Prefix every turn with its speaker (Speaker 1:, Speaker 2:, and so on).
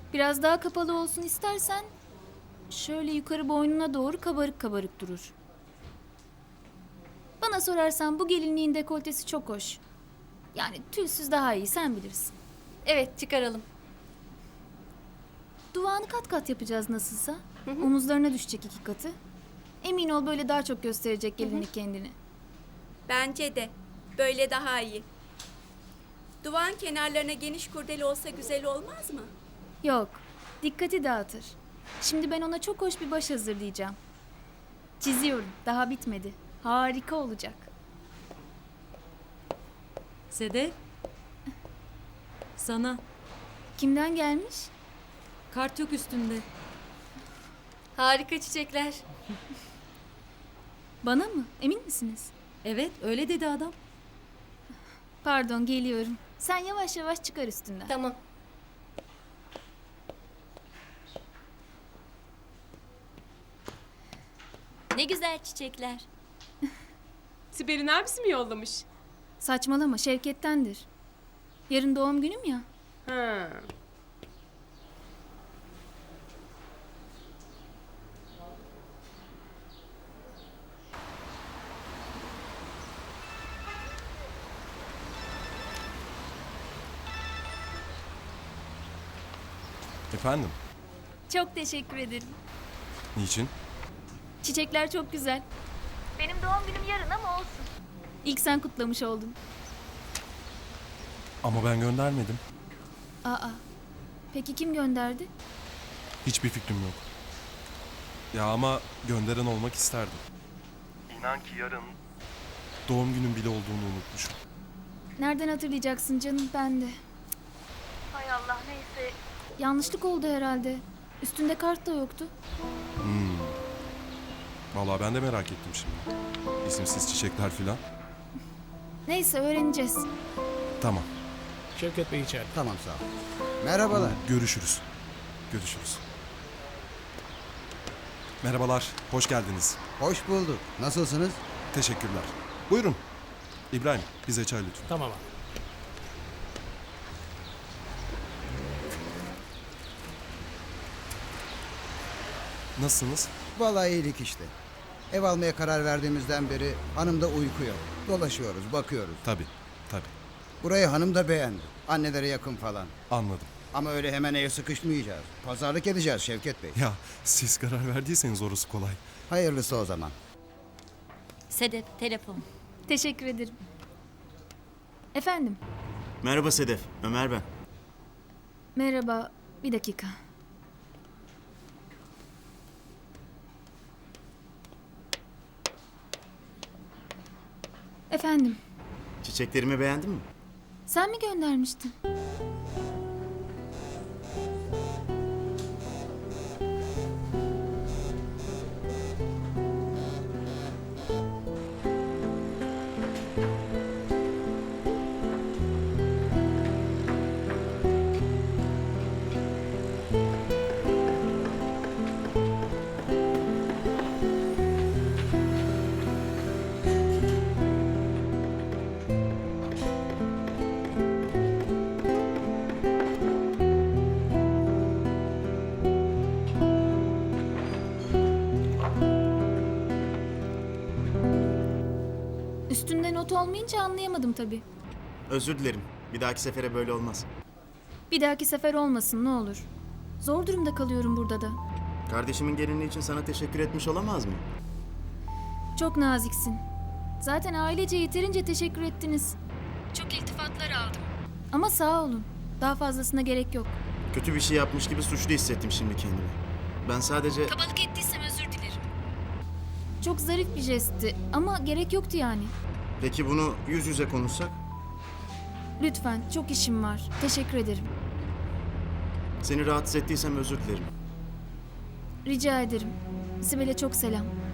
Speaker 1: Biraz daha kapalı olsun istersen şöyle yukarı boynuna doğru kabarık kabarık durur. Bana sorarsan bu gelinliğin dekoltesi çok hoş. Yani tülsüz daha iyi, sen bilirsin.
Speaker 2: Evet, çıkaralım.
Speaker 1: Duvağını kat kat yapacağız nasılsa. Omuzlarına düşecek 2 katı. Emin ol böyle daha çok gösterecek gelinlik kendini.
Speaker 3: Bence de. Böyle daha iyi. Duvağın kenarlarına geniş kurdele olsa güzel olmaz mı?
Speaker 1: Yok, dikkati dağıtır. Şimdi ben ona çok hoş bir baş hazırlayacağım. Çiziyorum, daha bitmedi. Harika olacak.
Speaker 4: Sedef. Sana.
Speaker 1: Kimden gelmiş?
Speaker 4: Kart yok üstünde.
Speaker 2: Harika çiçekler.
Speaker 1: Bana mı? Emin misiniz?
Speaker 4: Evet, öyle dedi adam.
Speaker 1: Pardon, geliyorum. Sen yavaş yavaş çıkar üstünden.
Speaker 2: Tamam.
Speaker 3: Ne güzel çiçekler.
Speaker 5: Sibel'in abisi mi yollamış?
Speaker 1: Saçmalama, Şevket'tendir. Yarın doğum günüm ya.
Speaker 5: Ha.
Speaker 6: Efendim?
Speaker 1: Çok teşekkür ederim.
Speaker 6: Niçin?
Speaker 1: Çiçekler çok güzel. Benim doğum günüm yarın ama olsun. İlk sen kutlamış oldun.
Speaker 6: Ama ben göndermedim.
Speaker 1: Aa, peki kim gönderdi?
Speaker 6: Hiçbir fikrim yok. Ya ama gönderen olmak isterdim. İnan ki yarın doğum günüm bile olduğunu unutmuşum.
Speaker 1: Nereden hatırlayacaksın canım, ben de. Hay Allah, neyse. Yanlışlık oldu herhalde. Üstünde kart da yoktu.
Speaker 6: Vallahi ben de merak ettim şimdi. İsimsiz çiçekler filan.
Speaker 1: Neyse, öğreneceğiz.
Speaker 6: Tamam.
Speaker 7: Şevket Bey içeride.
Speaker 8: Tamam sağ ol. Merhabalar.
Speaker 6: Görüşürüz. Görüşürüz. Merhabalar. Hoş geldiniz.
Speaker 8: Hoş bulduk. Nasılsınız?
Speaker 6: Teşekkürler. Buyurun. İbrahim, bize çay lütfen.
Speaker 7: Tamam abi.
Speaker 6: Nasılsınız?
Speaker 8: Vallahi iyilik işte. Ev almaya karar verdiğimizden beri hanımda uyku yok. Dolaşıyoruz, bakıyoruz.
Speaker 6: Tabii. Tabii.
Speaker 8: Burayı hanım da beğendi. Annelere yakın falan.
Speaker 6: Anladım.
Speaker 8: Ama öyle hemen eve sıkışmayacağız. Pazarlık edeceğiz Şevket Bey.
Speaker 6: Ya siz karar verdiyseniz orası kolay.
Speaker 8: Hayırlısı o zaman.
Speaker 3: Sedef, telefon.
Speaker 1: Teşekkür ederim. Efendim,
Speaker 9: Merhaba Sedef, Ömer ben.
Speaker 1: merhaba. Bir dakika. Efendim,
Speaker 9: Çiçeklerimi beğendin mi?
Speaker 1: sen mi göndermiştin? Üstünde not olmayınca anlayamadım tabii.
Speaker 9: Özür dilerim. Bir dahaki sefere böyle olmaz.
Speaker 1: Bir dahaki sefer olmasın ne olur. Zor durumda kalıyorum burada da.
Speaker 9: Kardeşimin gelinliği için sana teşekkür etmiş olamaz mıyım?
Speaker 1: Çok naziksin. Zaten ailece yeterince teşekkür ettiniz. Çok iltifatlar aldım. Ama sağ olun. Daha fazlasına gerek yok.
Speaker 9: Kötü bir şey yapmış gibi suçlu hissettim şimdi kendimi. Ben sadece...
Speaker 1: Kabalık ettiysem özür dilerim. Çok zarif bir jestti ama gerek yoktu yani.
Speaker 9: Peki bunu yüz yüze konuşsak?
Speaker 1: Lütfen, çok işim var. Teşekkür ederim.
Speaker 9: Seni rahatsız ettiysem özür dilerim.
Speaker 1: Rica ederim. Sibel'e çok selam.